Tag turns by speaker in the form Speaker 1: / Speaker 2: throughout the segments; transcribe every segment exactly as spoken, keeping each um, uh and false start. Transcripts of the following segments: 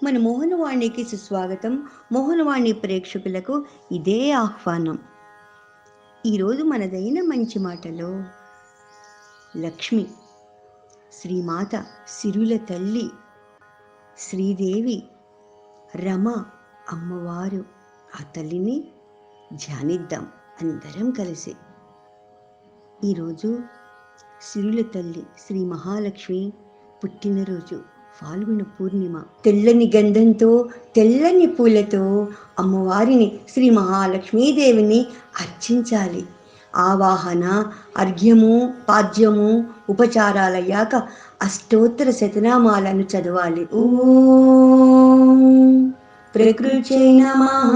Speaker 1: మన మోహనవాణికి సుస్వాగతం. మోహనవాణి ప్రేక్షకులకు ఇదే ఆహ్వానం. ఈరోజు మనదైన మంచి మాటలో లక్ష్మి, శ్రీమాత, సిరుల తల్లి, శ్రీదేవి, రమ అమ్మవారు, ఆ తల్లిని ధ్యానిద్దాం అందరం కలిసి. ఈరోజు సిరుల తల్లి శ్రీ మహాలక్ష్మి పుట్టినరోజు, ఫాల్గుణ పూర్ణిమ. తెల్లని గంధంతో తెల్లని పూలతో అమ్మవారిని శ్రీ మహాలక్ష్మీదేవిని అర్చించాలి. ఆవాహన, అర్ఘ్యము, పాద్యము, ఉపచారాలయ్యాక అష్టోత్తర శతనామాలను చదవాలి. ఓం ప్రకృత్యై నమః.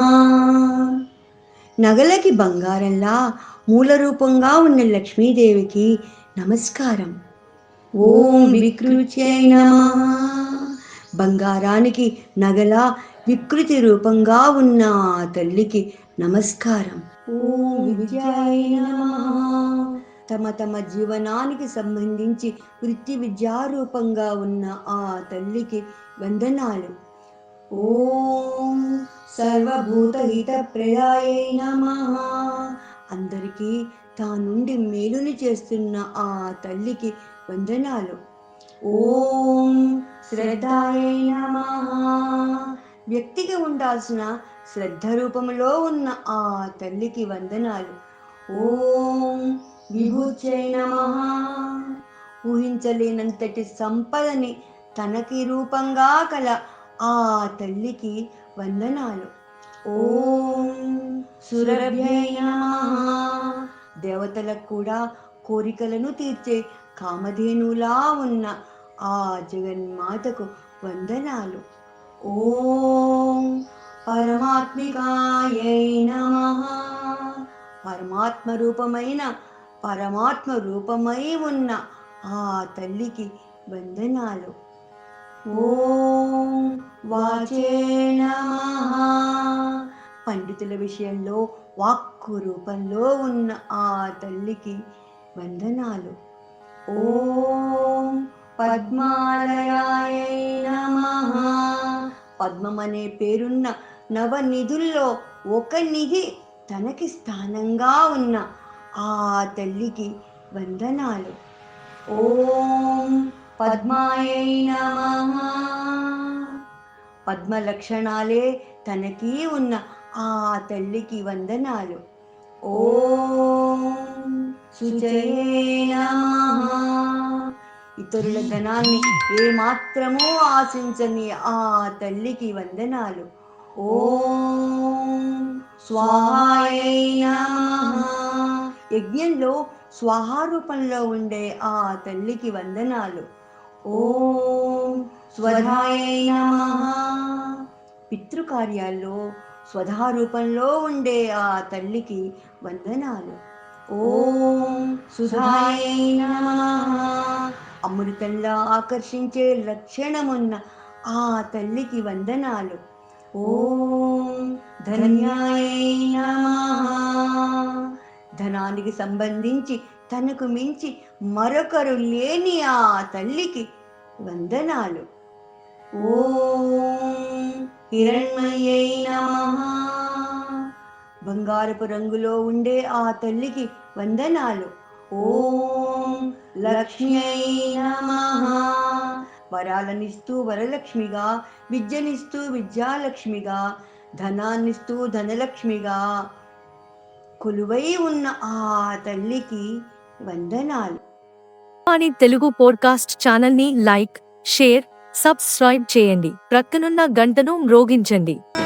Speaker 1: నగలకి బంగారంలా మూల రూపంగా ఉన్న లక్ష్మీదేవికి నమస్కారం. ఓం వికృత్యై నమః. బంగారానికి నగల వికృతి రూపంగా ఉన్న ఆ తల్లికి నమస్కారం. ఓం విద్యాయ నమః. తమ తమ జీవనానికి సంబంధించి వృత్తి విద్యారూపంగా ఉన్న ఆ తల్లికి వందనాలు. ఓం సర్వభూతహిత ప్రదాయై నమః. అందరికీ తా నుండి మేలుని చేస్తున్న ఆ తల్లికి వందనాలు. ఓం శ్రద్ధాయై నమః. వ్యక్తికి ఉండాల్సిన శ్రద్ధ రూపంలో ఉన్న ఆ తల్లికి వందనాలు. ఓం విభూత్యై నమః. ఊహించలేనంతటి సంపదని తనకి రూపంగా కల ఆ తల్లికి వందనాలు. ఓం సురభ్యై నమః. దేవతలకు కూడా కోరికలను తీర్చే కామధేనులా ఉన్న ఆ జగన్మాతకు వందనాలు. ఓం పరమాత్మికాయై నమః. పరమాత్మ రూపమైన పరమాత్మ రూపమై ఉన్న ఆ తల్లికి వందనాలు. ఓం వాచే నమః. పండితుల విషయంలో వాక్కు రూపంలో ఉన్న ఆ తల్లికి వందనాలు. ఓం పద్మాలయాయై నమః. పద్మం అనే పేరున్న నవనిధుల్లో ఒక నిధి తనకి స్థానంగా ఉన్న ఆ తల్లికి వందనాలు. ఓం పద్మాయై నమః. పద్మ లక్షణాలే తనకి ఉన్న ఆ తల్లికి వందనాలు. ఓం శుచయే నమః. ఇతరుల ధనాన్ని ఏమాత్రమూ ఆశించని ఆ తల్లికి వందనాలు. ఓం స్వాహాయై నమః. యజ్ఞంలో స్వాహారూపంలో ఉండే ఆ తల్లికి వందనాలు. ఓం స్వధాయై నమః. పితృకార్యాల్లో స్వధారూపంలో ఉండే ఆ తల్లికి వందనాలు. ఓం సుధాయై నమః. అమృతంలా ఆకర్షించే లక్షణమున్న ఆ తల్లికి వందనాలు. ఓం ధన్యాయై నమః. ధనానికి సంబంధించి తనకు మించి మరొకరు లేని ఆ తల్లికి వందనాలు. ఓం హిరణ్మయై నమః. బంగారపు రంగులో ఉండే ఆ తల్లికి వందనాలు. ఓం లక్ష్మ్యై నమః. వరాలనిస్తూ వరలక్ష్మిగా, విద్యనిస్తూ విద్యాలక్ష్మిగా, ధనాన్నిస్తూ ధనలక్ష్మిగా కొలువై ఉన్న ఆ తల్లికి వందనాలు.
Speaker 2: వాణి తెలుగు పోడ్కాస్ట్ ఛానల్ ని లైక్, షేర్, సబ్స్క్రైబ్ చేయండి. ప్రక్కనున్న గంటను మ్రోగించండి.